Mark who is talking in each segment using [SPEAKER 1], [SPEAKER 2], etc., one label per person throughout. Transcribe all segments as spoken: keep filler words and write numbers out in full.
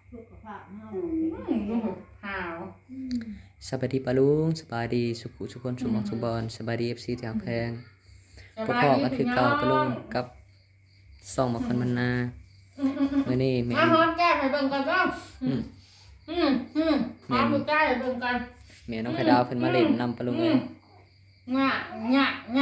[SPEAKER 1] สุขภาพเฮา
[SPEAKER 2] หาว
[SPEAKER 3] สบายดีปะลุงสบายดีสุขุสุคนสุขมองสุขบอลสบายดีเอฟซีแถวแพงพวกพ่อก็คือเก่าปะลุงกับส่องมาคนมันนาเมื่อนี้แม่
[SPEAKER 2] มาหอมแก้มให้เบิ่งกันบ้างอืมอืมอืมหอมมือแก้มให้เบิ่งกัน
[SPEAKER 3] แม่น้องไข่ดาวเพิ่นมาเล่นนำปะลุงเลย
[SPEAKER 2] งะงะงะ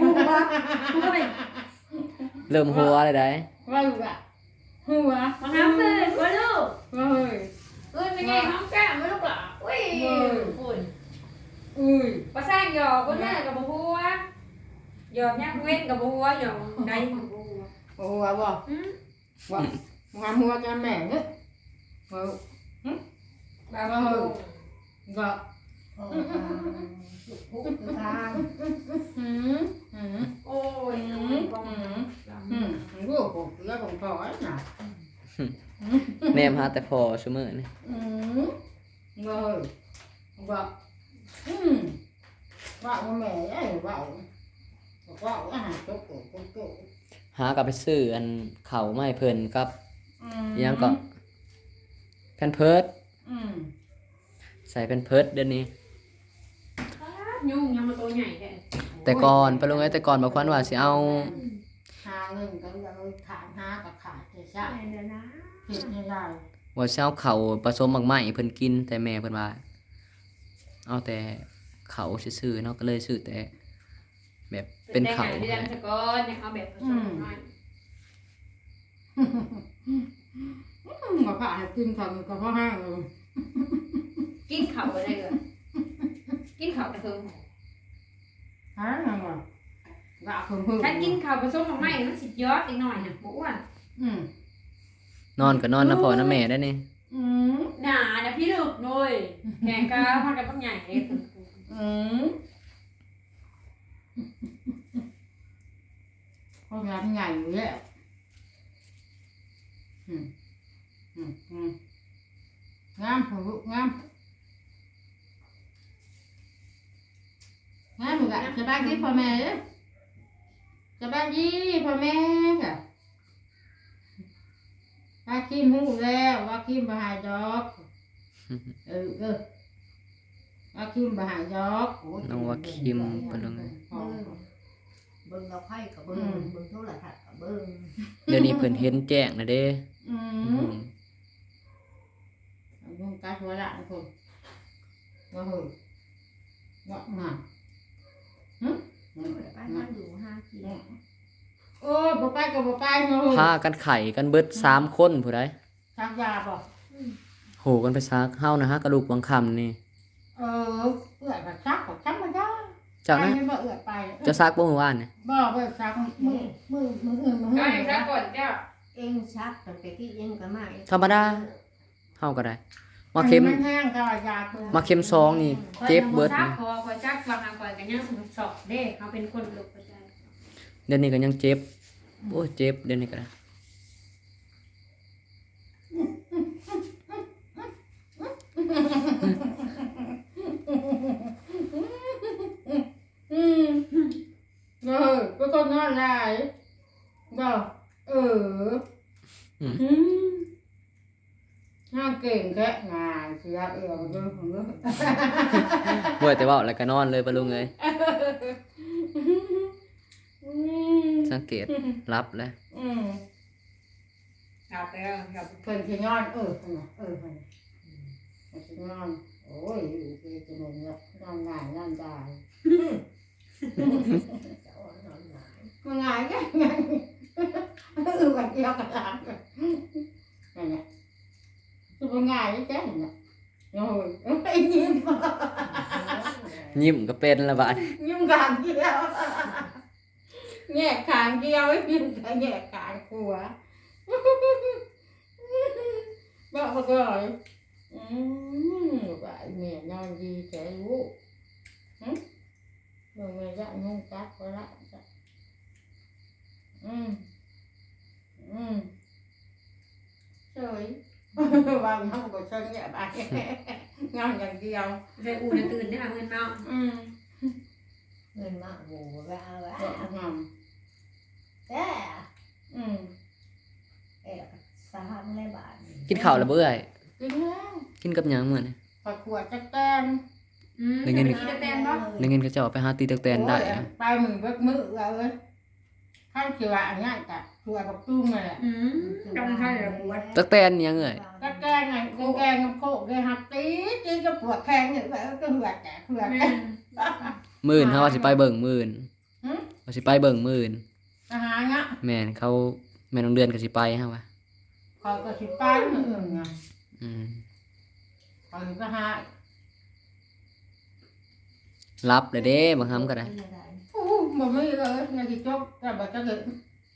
[SPEAKER 3] เริ่มหัวเลยได้
[SPEAKER 2] ว่าอยู่อะหัว
[SPEAKER 1] มาน้ำเลยว่าลูก
[SPEAKER 2] เฮ้ย
[SPEAKER 1] เอ้ยเป็นไงหอมแก้มไม่ลูกหรออุ้ยคุณ
[SPEAKER 2] อุ้ย
[SPEAKER 4] ภาษาหยอกคนนั้นกับบัวหยอกยักเว้นกับบัวหยอกใดกับบัว
[SPEAKER 2] โอ้ว่าบ่ว่าว่าหัวจะแม่เนี่ยเฮ้ย
[SPEAKER 4] บาบาโฮ
[SPEAKER 2] ก็
[SPEAKER 1] สุขภาพทาง
[SPEAKER 2] หืมหืม
[SPEAKER 4] โอ้ย
[SPEAKER 2] หืมหืมหืมรู้กูแล้วผมพอน่ะ
[SPEAKER 3] แนมหาแต่พอซุมื้อนี่
[SPEAKER 2] อืมเงยว่าอืมว่าว่าแม่ไอ้ว่าว่าอาหารตกโกโกโก
[SPEAKER 3] หากลับไปซื้ออันข้าวมาให้เพิ่นกับ
[SPEAKER 2] อื
[SPEAKER 3] อิหยังก็แพนเพิร์ด
[SPEAKER 2] อืม
[SPEAKER 3] ใส่แพนเพิร์ดเดี๋ยวนี้
[SPEAKER 4] ยุ่งยังมาตัวใหญ่แค่
[SPEAKER 3] แต่ก่อนปะลุงเอ้ยแต่ก่อนบอกควันว่าสิเอา
[SPEAKER 2] หาเงินกันเลยขาดหากับขาดจะใช่
[SPEAKER 1] เดี๋ยวนะ
[SPEAKER 2] เห็นไม่ได้
[SPEAKER 3] ว่าสิเอาข้าวผสมหมักไหม้ให้เพิ่นกินแต่แม่เพิ่นว่าเอาแต่ข้าวซื่อๆเนาะก็เลยซื้อแต่แบบเป็นข้าว
[SPEAKER 4] เดือนสกอนเนี่ยเอาแบบผสมหน่อย
[SPEAKER 2] มาผ่าให้กินกันก็เพราะห้างเลย
[SPEAKER 4] กินข้าวอะไรกันกินข้าวกระเทิง
[SPEAKER 2] หาไงวะกะคนเพิ่ม
[SPEAKER 4] ฉันกินข้าวผสมของไม่มันสิยอดอีกหน่อยนะบ่อ้วน
[SPEAKER 2] อืม
[SPEAKER 3] นอนก็นอนนะพ่อนะแม่ได้นี่
[SPEAKER 2] อืม
[SPEAKER 4] หนานะพี่ลูกหน่อยแกงกาพอกันต้องใหญ่เลย
[SPEAKER 2] อืมเขางานใหญ่อยู่แล้วอืมอืมอืมงามหัวลูกงามงามเหมือนกันจะบ้านที่พ่อแม่เด้อจะบ้านยี่พ่อแม่ค่ะว่าคิมหูแล้วว่าคิมบหายดอกเออเออว่าคิมบหายดอก
[SPEAKER 3] น้องว่าคิมปะลุงเอ้ย
[SPEAKER 1] เบิ่งเราไพ่กับเบิ่งเบิ่งโทรทัศน์กับเบิ่ง
[SPEAKER 3] เดี๋ยวนี้เพิ่นเห็นแจ้งนะเด้
[SPEAKER 2] อื
[SPEAKER 3] อื
[SPEAKER 2] ม
[SPEAKER 3] ม
[SPEAKER 2] ลุงกัดหัวละทุกคนว่าเหอะว่าหนาหึ
[SPEAKER 1] ไปนั่งอยู่ห้ากิโล
[SPEAKER 2] โอ้ยบ่ไปก็บ่ไปเนาะ
[SPEAKER 3] พากันไข่กันเบิดสามคนผู้ใด
[SPEAKER 2] ชักยาบ่
[SPEAKER 3] โหกันไปซักเฮานะฮะกระดูกบางคำนี่
[SPEAKER 2] เออเอื้อยก็ชักก็ชักมาได้
[SPEAKER 3] เจ้านะ
[SPEAKER 2] ไปบ่เอื้อยไป
[SPEAKER 3] จะซักบ่เมื่อวานนี่
[SPEAKER 2] บ่บ่ชักมือมือมืออื่นมือ
[SPEAKER 4] เอา
[SPEAKER 2] อื่
[SPEAKER 4] อน ย่างนั้นก่อนเจ้า
[SPEAKER 1] เองชักตั้งแต่ที่เองก็มา
[SPEAKER 3] ธรรมดาเฮาก็ได้ มาเข็ม
[SPEAKER 2] นแห้งก็ยาตัว
[SPEAKER 3] มาเข็มซองนี่เจ็บเบิด
[SPEAKER 4] จัก
[SPEAKER 3] นี่
[SPEAKER 4] คอคอยจักบางอันคอยกันยังสนุกสอบเด้เขาเป็นคนลุกไปได้
[SPEAKER 3] เดี๋ยวนี้ก็ยังเจ็บโอ้ยเจ็บเดี๋ยวนี้ก็ได้
[SPEAKER 2] อืมเออก็ต้องนอนหลายบ่เออ
[SPEAKER 3] อืม
[SPEAKER 2] อืมน่าเก่งแค่งานเสียเอื้อมเด้อผมเด้อ
[SPEAKER 3] เมื่อยแต่เว้าแล้วก็นอนเลยปะลุงเอ้ย
[SPEAKER 2] อืม
[SPEAKER 3] สังเกตรับแล้ว
[SPEAKER 2] อืม
[SPEAKER 4] เอาไปแล้วครับ
[SPEAKER 2] เพิ่นสินอนเออเพิ่นน่ะเออเพิ่นน่ะเพิ่นสินอนโอ้ยอยู่ที่จะนอนเนี่ยนอนง่ายนอนได้
[SPEAKER 1] จะอ่อนนอนหลาย
[SPEAKER 2] มันง่ายแค่ไงเออวันเดียวกันละนั่นแหละคือมันง่ายแค่นั้นน่ะโอ้ยไอ้ยิ้ม
[SPEAKER 3] ยิ้มก็เป็นละบาด
[SPEAKER 2] ยิ้มขางเดียวแง่ขางเดียวไอ้ยิ้มแง่ขางกลัวบอกมาก่อนอืมว่าไอ้แม่นอนดีแค่รู้หึมึงไม่ได้งงจักก็ละจ้ะอืมอืมเฉยวางน้ำก็เฉยเนี่ยไปงานอย่างเดียว
[SPEAKER 4] จะอูน่ะตื่นได้หาเงินเนาะ
[SPEAKER 2] อืม
[SPEAKER 1] เงินมาโหว่าว่า
[SPEAKER 2] บอกงาม
[SPEAKER 1] แต่
[SPEAKER 2] อืม
[SPEAKER 1] เอ๊ะสามร้อยบาท
[SPEAKER 3] กินข้าวแล้วบ่เอ้ย
[SPEAKER 2] กินแล้ว
[SPEAKER 3] กินกับหยังมื้อนี่
[SPEAKER 2] ปลาขวดจักแตน
[SPEAKER 4] อืม
[SPEAKER 3] ได้เงิน
[SPEAKER 4] จะไปกินแตนบ่
[SPEAKER 3] ได้เงินเขาเจ้าไปหาตีตักแตนได้
[SPEAKER 2] โอ้ย
[SPEAKER 3] อะ
[SPEAKER 2] ไปมือเบิกมือเอาเลยข้าวเขียวอันนี้จ้ะตัวกับตุ้งเลยแหละ
[SPEAKER 4] อืมจำให้ละปวด
[SPEAKER 3] ตักแตนหยังเอ้ย
[SPEAKER 2] ก็แกงไงแกงกับโคกเลยหักตีตีก็ปวดแข้งเนี่ยแบบก็เหือดแกเหือด
[SPEAKER 4] แม่
[SPEAKER 3] มื้ออื่นเฮาว่าสิไปเบิ่งมื้ออื่น
[SPEAKER 2] หืม
[SPEAKER 3] ว่าสิไปเบิ่งมื้ออื่น
[SPEAKER 2] อาหารเงี้ย
[SPEAKER 3] แม่นเขาแม่น้องเดือนก็สิไปเฮาว่า
[SPEAKER 2] คอยก็สิไปมืออื่นไง
[SPEAKER 3] อืม
[SPEAKER 2] คอยก็หา
[SPEAKER 3] รับเลยเด้บางคำก็ได้
[SPEAKER 2] โอ้โหบ่มีเลยไงที่จบแต่บ่จะเกิด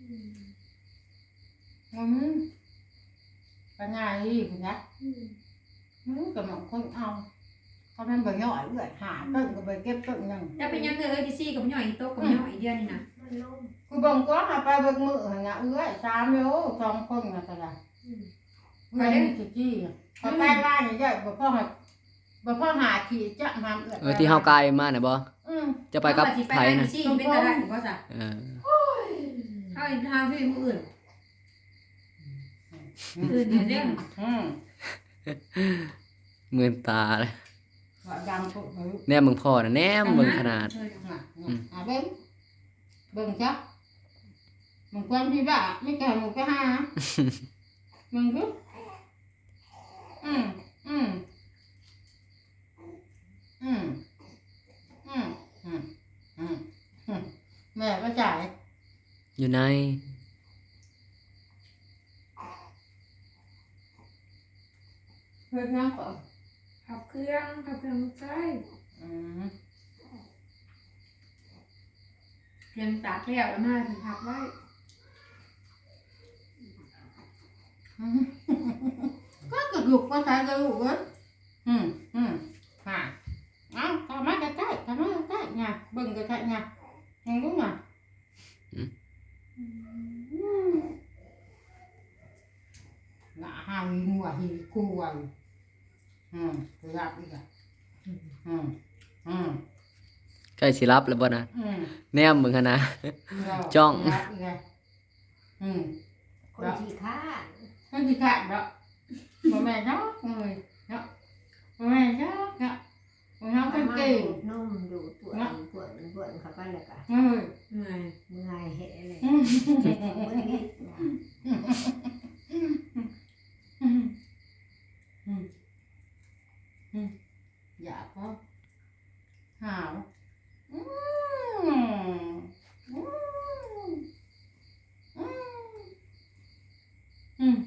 [SPEAKER 2] อืมปัญญาดีคุณนะอืมกับหมองคนเอาเขาเป็นบ่ย่อยเอื้อยหาต้นก็ไปเก็บต้นหนึง
[SPEAKER 4] จะเป็นยังไงเอ้ยดิซี่กับย่อยโต๊ะกับย่อยเดือนนี่นะ
[SPEAKER 1] มันลง
[SPEAKER 2] กูเบิ่งก็หาไปเบิ่งมือหั่นน่ะเอื้อยสามโลสองคนน่ะก็ได้เอื้อยนี่สิจี้พอใต้บ้านนี่ใหญ่บ่พอหาบ่พอหาที่จะหามเอื้อย
[SPEAKER 3] เออที่เฮากายมาน่ะบ่
[SPEAKER 2] อืม
[SPEAKER 3] จะไปกับ
[SPEAKER 4] เอาสิ
[SPEAKER 3] ไผ
[SPEAKER 4] ไป
[SPEAKER 3] น่ะ
[SPEAKER 4] ดิซี่เป็นอะไรอีกว่าซะ
[SPEAKER 3] เออ
[SPEAKER 4] เอาอีกทางที่มื้ออื่นอื่นเดี๋ยวเด้อ
[SPEAKER 2] อืม
[SPEAKER 3] มื่นตาเลย
[SPEAKER 2] ว่าดังปุ๊บเฮ้ย
[SPEAKER 3] แนมเบิ่งพ่อน่ะแนมเบิ่งขนาด
[SPEAKER 4] เออ
[SPEAKER 2] น่ะน่ะอ่ะเบิ่งเบิ่งจ้ะมึงควรพี่บ้าไม่แก่มึงไปหามึงกูอืมอืมอืมอืมอืมอืมอืมแม่ก็จ่าย
[SPEAKER 3] อยู่ใน
[SPEAKER 2] เพื่อนนั่งก่อน
[SPEAKER 4] ขับเครื่องขับเครื่องลูกชาย
[SPEAKER 2] อืม
[SPEAKER 4] เพียงตากแล้วแล้วมาถึงขับไว้
[SPEAKER 2] อืมก็กระดูกก็ใส่กระดูกเว้ยอืมอืมค่ะเอาทำมาใกล้ๆทำมาใกล้ๆไงเบิ่งใกล้ๆไงมึงรู้ไงอืมหน้าหางหัวหีกลัวอยู่อืมกระยับอีกอ่ะอืมอืม
[SPEAKER 3] ใกล้สิรับแล้วบ่นะ
[SPEAKER 2] อืม
[SPEAKER 3] แนมเบิ่งขนาด
[SPEAKER 2] แล้ว
[SPEAKER 3] จ้อง
[SPEAKER 2] กระยับอีกอ่ะอืม
[SPEAKER 1] คนที่ฆ่า
[SPEAKER 2] นั่นที่ขาดเนาะบ่แม่นเนาะเลยเนาะบ่แม่นเนาะเนาะบ่เฮาเป็นเก่ง
[SPEAKER 1] นุ่มดูปวดปวดปวดเข้าไปแล้วก็
[SPEAKER 2] เอ้ย
[SPEAKER 4] เหนื่อย
[SPEAKER 1] เมื่อยเหะเลย
[SPEAKER 2] อืม
[SPEAKER 1] เจ็บมือนิด
[SPEAKER 2] อยากก็หาวอืมอืมอืมอืม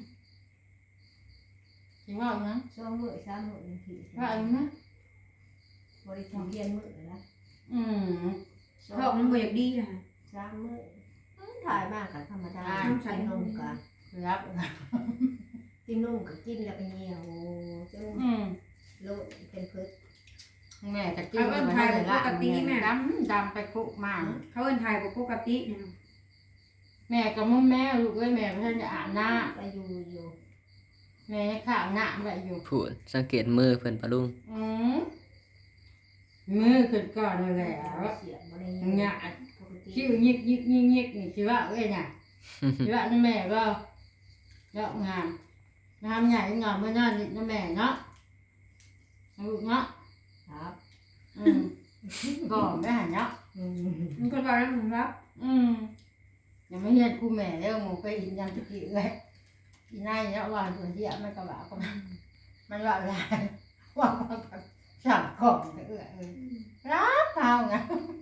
[SPEAKER 2] สิว่าอีกนะ
[SPEAKER 1] ช่วงมือสามมือนึงที
[SPEAKER 2] ว่าอีกนะ
[SPEAKER 1] บริษัทเรียนมือนะ
[SPEAKER 2] อืม
[SPEAKER 4] ท้องมันบ่อยากดีนะ
[SPEAKER 1] สามมือถ่ายมากกับธรรมดากินนมกับ
[SPEAKER 2] รับ
[SPEAKER 1] กินนมกับกินแล้วก็เหี่ยวจน
[SPEAKER 2] อืม
[SPEAKER 1] โลดเป็นพืช
[SPEAKER 2] แม่จะกินไปให้ละดำดำไปคุกมาก
[SPEAKER 4] เขาเอิ้นถ่ายบ่ปกติเนี่ย
[SPEAKER 2] แม่กับมึงแม่ลูกเอ้ยแม่เพิ่นจะอาบน้
[SPEAKER 1] ก็อยู่อยู่
[SPEAKER 2] ำแม่ข้าวหน้าไว้อยู่
[SPEAKER 3] พูดสังเกตมือเพิ่นปะลุง
[SPEAKER 2] อืมมือขึ้นก่อนนั่นแหละ
[SPEAKER 1] เสียบริ
[SPEAKER 2] อย่างเงี้ย
[SPEAKER 1] ปกติ
[SPEAKER 2] คิ้วยิกยิกยิกยิกนี่สิว่าเอ้ยน่ะสิว่านั่นแม่ก็ดอกงามงามใหญ่งามเมื่อนั้นนั่นแม่เนาะลูกเนาะ
[SPEAKER 1] ครับ
[SPEAKER 2] อืมก่อนได้หันเนาะ
[SPEAKER 1] อืม
[SPEAKER 4] มันก็ว่าแล้วมึงรับ
[SPEAKER 2] อืมยังไม่เห็นกูแม่แล้วมึงไปอินยังตะกี้เลยอีนายเนี่ยว่าตัวเดียวมันก็ว่าก็มันมันว่าอะไรว่ามันสั่งของเอื้อเอ้ยรับเขาไง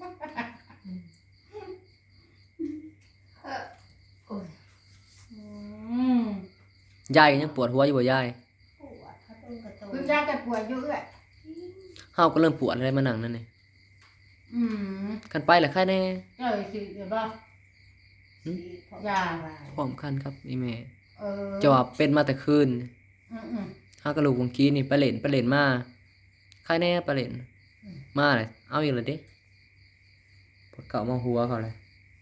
[SPEAKER 1] โอ้ย
[SPEAKER 2] อืม
[SPEAKER 3] ยายก็ยังปวดหัวอยู่บ่ยาย
[SPEAKER 1] ปวดเขาต้นกระโต
[SPEAKER 2] คุณยายจะป่วยอยู่เอ้ย
[SPEAKER 3] เฮาก็เริ่มปวดอะไรมานั่งนั่นนี่
[SPEAKER 2] อืม
[SPEAKER 3] กันไปแล้วใครแน่
[SPEAKER 2] เจ้าสิเดี๋ยวบ่
[SPEAKER 1] ยา
[SPEAKER 3] พร้อมกันครับอีแม่
[SPEAKER 2] เออ
[SPEAKER 3] จะว่าเป็นมาแต่คืน
[SPEAKER 2] อืมอืม
[SPEAKER 3] เฮาก็ลูกเมื่อกี้นี่ไปเล่นไปเล่นมาใครแน่ไปเล่นมาเลยเอาอีกแล้วเด้ปวดเก่ามาหัวเขาเลย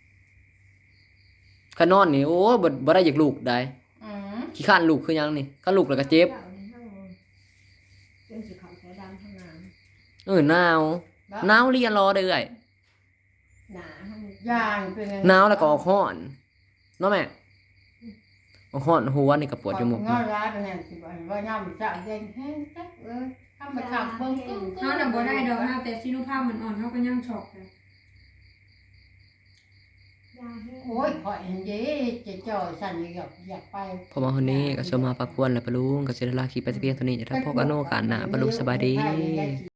[SPEAKER 3] คันนอนนี่โอ้บ่บ่ได้อยากลูกได้
[SPEAKER 2] อืม
[SPEAKER 3] ขี้ข้านลูกคือหยังนี่คันลูกแล้วก็เจ็บ
[SPEAKER 1] จนสิเขาใช้ดำทั้งนั้น
[SPEAKER 3] เออหนาวหนาวเรียนรอได้เอ้ย
[SPEAKER 1] หนาให้มัน
[SPEAKER 2] ยายเป็นไง
[SPEAKER 3] หนาวแล้วก็ออกร้อนเนาะแม่อฮ้อนหัวนี่ก็ปวดอยู่หมก
[SPEAKER 2] งอร้ายไปแน่สิบ่ว่ายามจะเด่นแห้งจักเอ้ยทำไปทางเบิ่งกึ้ง
[SPEAKER 4] เฮาน่ะบ่ได้ดอกเฮาแต่ซิโนภาพมันอ่อนเฮาก็ยังช็อกเลย
[SPEAKER 2] โอ้ยข่อยเห็นเด้จะจ่อยสั่นอยากอยากไป
[SPEAKER 3] พอมาคนนี้ก็สมมาปากควรแล้วปะลุงก็สิได้ลาคลิปไปแต่เพียงเท่านี้จะทักพบกันโนกาสหน้าปะลุงสบายดี